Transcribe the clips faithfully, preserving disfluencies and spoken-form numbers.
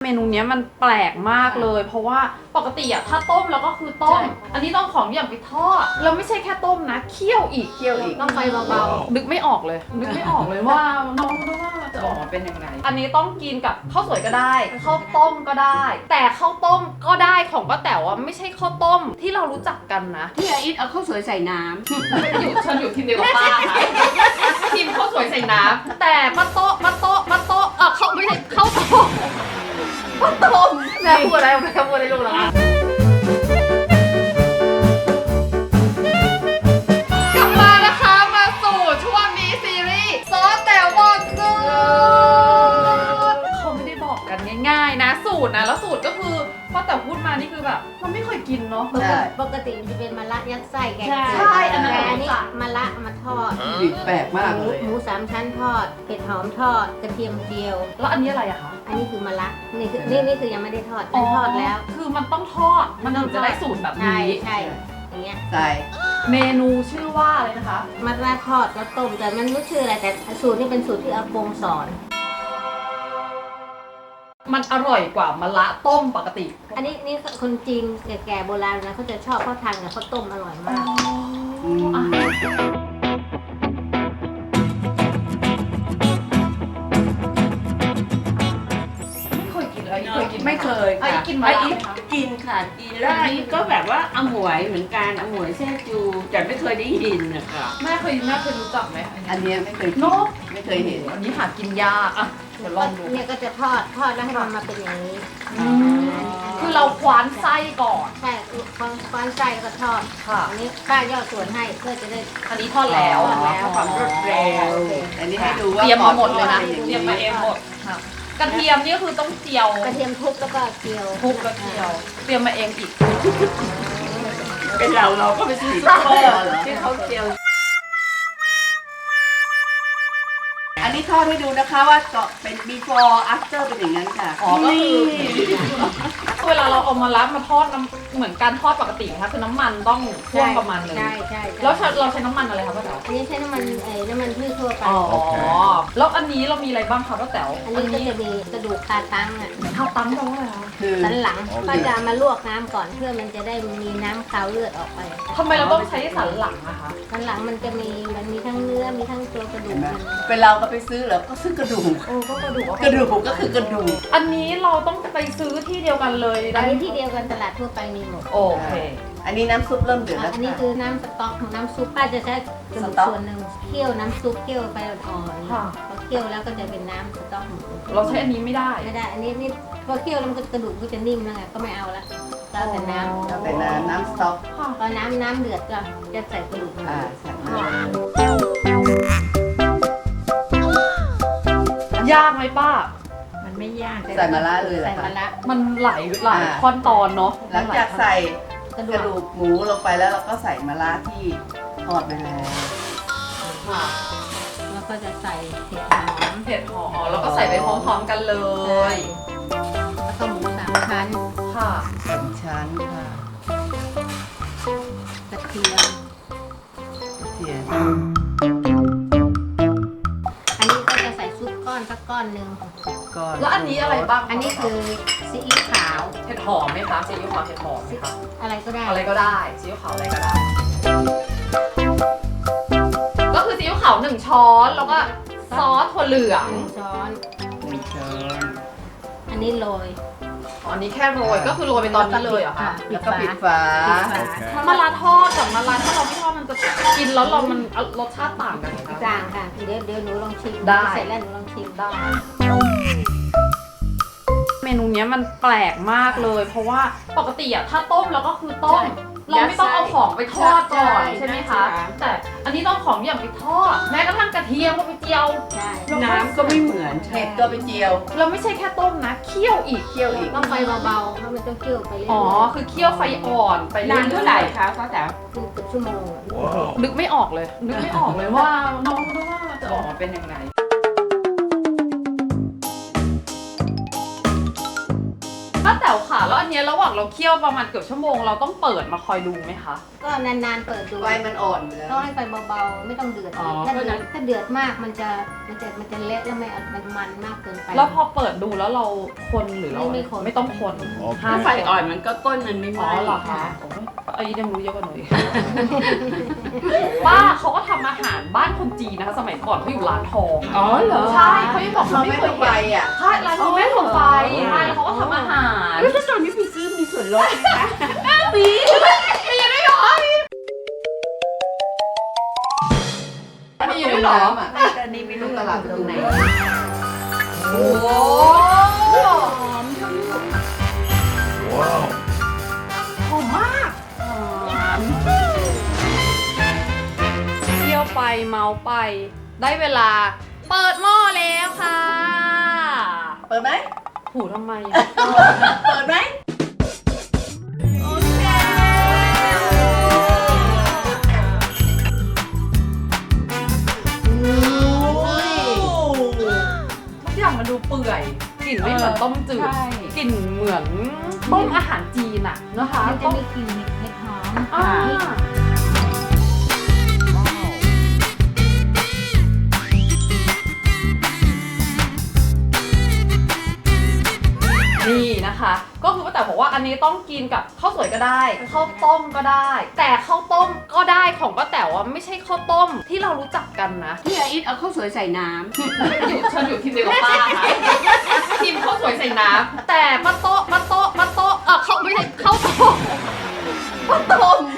นูเนี้ยมันแปลกมากเลยเพราะว่าปกติอะถ้าต้มแล้วก็คือต้มอันนี้ต้องของอย่างไปทอดแล้วไม่ใช่แค่ต้มนะเคี่ยวอีกเคี่ยวอีกต้องไฟเบานึกไม่ออกเลยนึกไม่ออกเลยว่าน้องดูว่าจะออกมาเป็นยังไงอันนี้ต้องกินกับข้าวสวยก็ได้ข้าวต้มก็ได้ แต่ข้าวต้มก็ได้ของป้าแต๋วอะไม่ใช่ข้าวต้มที่เรารู้จักกันนะๆที่อาอิทเอาข้าวสวยใส่น้ำอยู่ฉันอยู่ทีมเดียวกับป้าค่ะทีมข้าวสวยใส่น้ำแต่ป้าโต๊ะป้าโต๊ะป้าโต๊ะเออเขาไม่ใช่ข้าวต้มป้าต้มแม่พูดอะไรแม่พูดอะไรลูกแล้วกลับมานะคะมาสู่ช่วงนี้ซีรีส์ซอสแต๋วบอกสูตรเขาไม่ได้บอกกันง่ายๆนะสูตรนะแล้วสูตรก็คือป้าแต๋วพูดมานี่คือแบบเราไม่เคยกินเนาะปกติปกติมันจะเป็นมะระยัดไส้แกงใช่อันนั้นแต่อันนี้มะระมาทอดดิบแปลกมากหมูเลยหมูสามชั้นทอดเผ็ดหอมทอดกระเทียมเจียวแล้วอันนี้อะไรอะคะอันนี้คือมะระนี่คือนี่นี่คือยังไม่ได้ทอดมันทอดแล้วคือมันต้องทอดมันถึงจะได้สูตรแบบใช่นี้ใช่อย่างเงี้ยใส่เมนูชื่อว่าอะไรนะคะมะระทอดแล้วต้มแต่มันไม่ชื่ออะไรแต่สูตรนี่เป็นสูตรที่อากงสอนมันอร่อยกว่ามะระต้มปกติอันนี้นี่คนจีนแก่ๆโบราณนะเขาจะชอบเขาทานกับข้าวต้มอร่อยมากอืมอ่ะไม่เคยกินเลยเคยกินไม่เคยไอ้ค่ะกินมะไอ้ระอีไหมคะกินค่ะกินแล้วอันนี้ก็แบบว่าอมวยเหมือนกันอมวยแซ่จูแต่ไม่เคยได้ยินนะคะแม่เคยแม่เคยรู้จักไหมอันเนี้ยไม่เคยกิเนอะไม่เคยเห็นอันนี้หากินยากอ่ะเดี๋ยวลองดูเนี่ยก็จะทอดทอดแล้วให้มันมาเป็นอย่างนี้อืมคือเราคว้านไส้ก่อนใช่ควานควานไส้แล้วก็ทอดค่ะอันนี้ป้าย่อส่วนให้เพื่อจะได้อันนี้ทอดแล้วทอดแล้วความรวดเร็วอันนี้ให้ดูว่าเตรียมมาหมดเลยนะป็อางเตรียมมาเองหมดค่ะกระเทียมนี่ก็คือต้องเจียวกระเทียมทุบแล้วก็เจียวทุบกระเทียมเตรียมมาเองอีกเป็นเราเราก็ไปซื้อซุปเปอร์ที่เขาเจียวอันนี้ทอดให้ดูนะคะว่าก็เป็น before after เป็นอย่างนั้นค่ะอ๋อ ก็คือเวลาเราเอามารับมาทอดน้ำเหมือนการทอดปกตินะคะคือน้ำมันต้องท่วมประมาณนึงใช่ใช่ใช่แล้วเราใช้น้ำมันอะไรคะป้าแต๋วอันนี้ใช้น้ำมันเอ่อน้ำมันพืชทั่วไปอ๋อแล้วอันนี้เรามีอะไรบ้างคะป้าแต๋วอันนี้ก็จะมีกระดูกคาตังอ่ะข้าวตั้งแปลว่าอะไรคะคือสันหลังป้าจะเอามาลวกน้ำก่อนเพื่อมันจะได้มีน้ำคาวเลือดออกไปทำไมเราต้องใช้สันหลังอะคะสันหลังมันจะมีมันมีทั้งเนื้อมีทั้งตัวกระดูเห็กนไหมมันเป็นเราก็ไปซื้อเหรอก็ซื้อกระดูกโอ้ก็กระดูกกระดูกก็คือกระดูกอันนี้เราต้องไปซื้อที่เดียวกันเลยอัได้นนี้ที่เดียวกันตลาดทั่วไปมีหมดโอเคอันนี้น้ำซุปเริ่มเดือดแล้วอันนี้ค่ะคือน้ำสต๊อกของน้ำซุปป้าจะใช้กระดูกสต๊อกส่วนหนึ่งเคี่ยวน้ำซุปเคี่ยวไปอ่อนๆค่ะพอเคี่ยวแล้วก็จะเป็นน้ำสต๊อกหมูเราใช้อันนี้ไม่ได้ไม่ได้ อันนี้นี่พอเคี่ยวแล้วมันก็กระดูกก็จะนิ่มแล้วไงก็ไม่เอาละเราแต่น้เอาแต่น้ำน้ำสต๊อกค่ะำพอน้ำน้ำเดือดก็จะใส่กระดูกอ่าใส่มายากไหมป้ามันไม่ยากใส่มาล่าเลยเหรใส่อคะมะระมันหลายหลายขั้นตอนเนาะหลังจากใส่กระกดูระกดูกหมูลงไปแล้วเราก็ใส่มะระที่ทอดไปแล้วค่ะแล้วก็จะใส่เห็ดหอมเผ็ดหอมแล้วก็ใส่ไปพร้อมๆกันเลยแล้วก็หมูสามชั้นค่ะสามชั้นค่ะกระเทียมกระเทียมอันนี้ก็จะใส่ซุปก้อนสักก้อนหนึ่งก่อนแล้วอันนี้อะไรบ้างอันนี้คือซีอิ๊วขาวเผ็ดหอมไหมคะซีอิ๊วขาวเผ็ดหอมไหมคะอะไรก็ได้อะไรก็ได้ซีอิ๊วขาวอะไรก็ได้ ก็คือซีอิ๊วขาวหนึ่งช้อนแล้วก็ซอสถั่วเหลืองหนึ่งช้อนหนึ่งช้อนอันนี้โรยอ๋ออันนี้แค่โรยก็คือโรยไปตอนนี้เลยเหรอคะแล้วก็ปิดฝาปิดฝามะระทอดกับมะระถ้าเราไม่ทอดมันจะกินแล้วเรามันรสชาติต่างกันไหมคะจางค่ะ เดี๋ยวเดี๋ยวหนูลองชิมได้เสร็จแล้วหนูลองชิมได้เมนูเนี้ยมันแปลกมากเลย เพราะว่าปกติอะถ้าต้มแล้วก็คือต้ม เราไม่ต้องเอาของไปทอดก่อนใช่ไหมคะ แต่อันนี้ต้องของอย่างไปทอด แม้กระทั่งกระเทียมก็ไปเจียวใช่น้ำก็ไม่เหมือนเห็ดก็ไปเจียวเราไม่ใช่แค่ต้มนะเคี่ยวอีกเคี่ยวอีกต้องไฟเบาๆเพราะมันต้องเคี่ยวไปเรื่อยๆอ๋อคือเคี่ยวไฟอ่อนไปนานเท่าไหร่คะเขาแต่ครึ่งเกือบชั่วโมงนึกไม่ออกเลย นึกไม่ออกเลยว่าน้องดูว่าจะออกมาเป็นยังไงป้าแต๋วค่ะแล้วอันเนี้ยระหว่างเราเคี่ยวประมาณเกือบชั่วโมงเราต้องเปิดมาคอยดูไหมคะก็นานๆเปิดดูไฟมันอ่อนอยู่แล้วต้องให้ไฟเบาๆไม่ต้องเดือดอ๋อถ้าเพราะเดืฉะนั้อดนถ้าเดือดมากมันจะมันจะมันจะเละแล้วไม่มันมันมากเกินไปแล้วพอเปิดดูแล้วเราคนหรือเราไม่ไม่คนไม่ต้องคนถ้าไฟอ่อนมันก็ก้นมันไม่ไหอ๋ม้อเหรอคะโอ้ยไอ้ยังรู้เยอะกว่าหนูอีก ป้าเขาก็ทำอาหารบ้านคนจีนนะคะสมัยก่อนเขาอยู่ร้านทองอ๋อเหรอใช่เขายังบอกเขาเขาไม่ไม่เคเคยยไปเห็นอ่ะใช่ร้านเขาไม่ถมไฟใช่แล้วเขาก็ทำอาหารแล้วถ้าตอนนี้พี่ซื้อมีส่วนลดไหมคะปีปีได้เหรอมีอยู่ด้วยเหรออ่ะแต่นี่ไม่รู้ตลาดตรงไหนโอ้โหหอมมากเที่ยวไปเมาไปได้เวลาเปิดหม้อแล้วค่ะเปิดไหมหูทำไมเปิดไหมโอเคทุกอย่างมันดูเปื่อยกลิ่นไม่เหมือนต้มจืดใช่กลิ่นเหมือนต้มอาหารจีนอะนะคะมันจะมีกลิ่นเห็ดหอมอ่านี่นะคะ ก็คือป้าแต่บอกว่าอันนี้ต้องกินกับข้าวสวยก็ได้ข้าวต้มก็ได้ แต่ข้าวต้มก็ได้ของป้าแต่ว่าไม่ใช่ข้าวต้มที่เรารู้จักกันนะพี่อาอิทเอาข้าวสวยใส่น้อยู่ฉันอยู่ทีมเดียวกับป้าค่ะทีมข้าวสวยใส่น้ำแต่ป้าโต๊ะป้าโต๊ะป้าโต๊ะเออเขาไม่ใช่ข้าวต้มป้าต้ม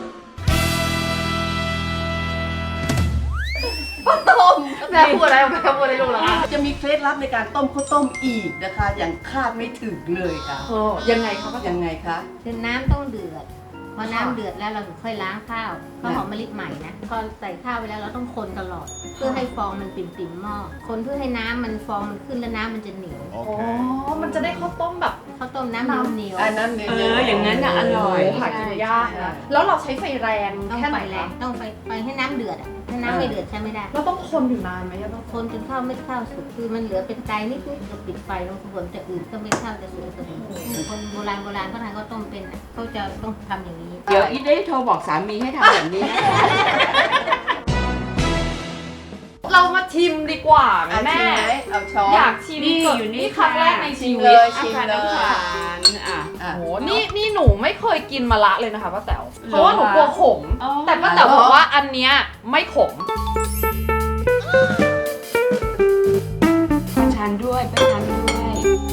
ป้าต้มแม่พูดอะไรแม่พูดอะไรลูกเหรอคะจะมีเคล็ดลับในการต้มข้าวต้มอีกนะคะ อย่างคาดไม่ถึงเลยค่ะเออยังไงคะป้ายังไงคะคือน้ำต้องเดือดพอน้ำเดือดแล้วเราถึงค่อยล้างข้าวข้าวหอมมะลิใหม่นะพอใส่ข้าวไปแล้วเราต้องคนตลอด เพื่อให้ฟองมันปิ่มๆหม้อคนเพื่อให้น้ำมันฟองมันขึ้นแล้วน้ำมันจะเหนียวอ๋อมันจะได้ข้าวต้มแบบข้าวต้มน้ำเหนียวอันนั้นเนี่ยำเอออย่างนั้นน่ะอร่อยหากินยากนะแล้วเราใช้ไฟแรงต้องแค่ไหไฟนแรงคะต้องไฟไฟให้น้ำเดือดอ่ะถ้าน้ำไม่เดือดใช้ไม่ได้แล้วต้องคนอยู่นานไหมอะต้องคนจนข้าวไม่ข้าวสุกคือมันเหลือเป็นไกนิดนิดเราปิดไฟลงส่วนจะอื่นก็ไม่ข้าวจะสุกเสมอคนโบราณโบราณเขาทานข้าวต้มเป็นนะเขาจะต้องทำอย่างนี้เดี๋ยวอีทได้โทรบอกสามีให้ทำแบบนี้นะคะเรามาชิมดีกว่าไหมเอาแม่ชิมไหมเอาช้อนอยากชิมนี่สดอยู่นี่ครั้งแรกในชิชีมวิเลตย ชิมอาเลยน้ำตาลอ่ะอ่ะโอ้โหนี่นี่หนูไม่เคยกินมะระเลยนะคะป้าแต๋วเพราะว่าหนูกลัวขมอ๋อแต่ป้าแต๋วบอกว่าอันเนี้ยไม่ขมประทานด้วยประทานด้วย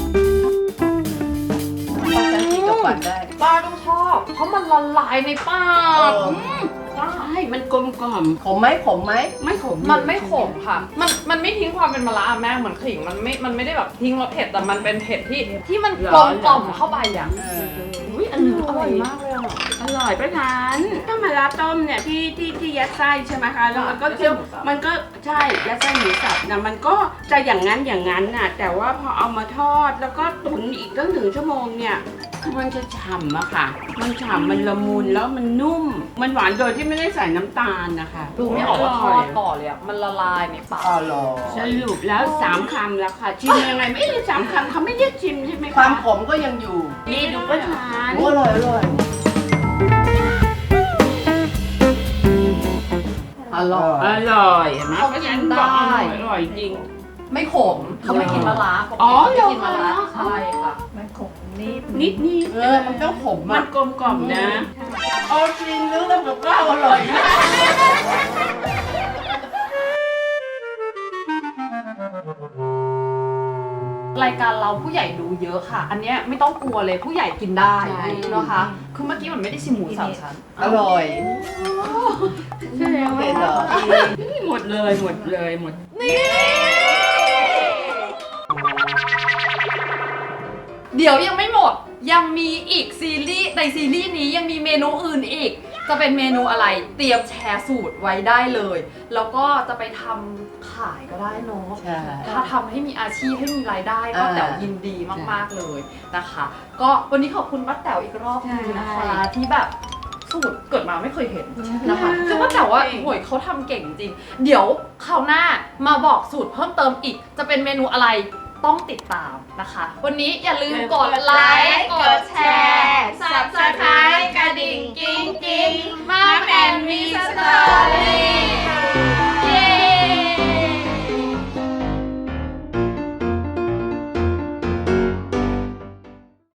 ต้องใช้ที่กับฟันได้ป้าต้องชอบ เพราะมันละลายในปากเออใช่มันกลมกล่อมขมไหมขมไหมไม่ขมมันไม่ขมค่ะ มันมันไม่ทิ้งความเป็นมะระอะแม่เหมือนขิงมันไม่มันไม่ได้แบบทิ้งรสเผ็ดแต่มันเป็นเผ็ดที่ที่มันกลมกล่อมเข้าไปอ่ะเอออุ้ยออร่ร่ออยยมากเลยอ่ะอร่อยประทานถ้ามาลาต้มเนี่ยที่ที่ที่ยัดไส้ใช่ไหมคะแล้วมันก็ไม่ใช่จะหมูสับมันก็ใช่ยัดไส้หมูสับนะมันก็จะอย่างนั้นอย่างนั้นน่ะแต่ว่าพอเอามาทอดแล้วก็ตุ๋นอีกตั้งถึงชั่วโมงเนี่ยมันจะฉ่ำอะค่ะ มันฉ่ำมันละมุนแล้วมันนุ่ม มันหวานโดยที่ไม่ได้ใส่น้ำตาลนะคะดูไม่ออกว่าทอดก่อนเลยอ่ะมันละลายในปากอ๋อเหรอสรุปแล้วสามคำแล้วค่ะชิมยังไงไม่ได้สามคำเขาไม่เรียกชิมใช่ไหมคะความขมก็ยังอยู่นี่ดูประทานโอ้อร่อยอร่อยอร่อยอร่อยเห็นไหมเพราะฉะนั้นบอกอร่อยอร่อยจริงไม่ขมเขาไม่กินมะระปกอ๋อติเขาไม่กินมะระเหรอใช่ค่ะนิดนิดเออมันต้องขมมัอ่ะนกลมกล่อมนะเอาจริงนึกแล้วกับข้าวอร่อยนะรายการเราผู้ใหญ่ดูเยอะค่ะ อันเนี้ยไม่ต้องกลัวเลยผู้ใหญ่กินได้ใช่นะคะคือเมื่อกี้มันไม่ได้ชิมหมูสามชั้นอร่อยใช่แล้วเห็นเหรอหมดเลยหมดเลยหมดเดี๋ยวยังไม่หมดยังมีอีกซีรีส์ในซีรีส์นี้ยังมีเมนูอื่นอีก จะเป็นเมนูอะไรเตรียมแชร์สูตรไว้ได้เลย แล้วก็จะไปทำขายก็ได้เนาะใช่ถ้าทำให้มีอาชีพให้มีรายได้ก็อ่าแต๋วยินดีมากๆเลยนะคะ ก็วันนี้ขอบคุณป้าแต๋วอีกรอบนึงนะคะ ที่แบบสูตรเกิดมาไม่เคยเห็นนะคะซึ่งป้าแต๋วว่าโหยเขาทำเก่งจริง เดี๋ยวคราวหน้ามาบอกสูตรเพิ่มเติมอีก จะเป็นเมนูอะไรต้องติดตามนะคะ วันนี้อย่าลืมกดไลค์กดแชร์ Subscribe กระดิ่งกิ๊งกิ๊งมาแอนมีสตอรี่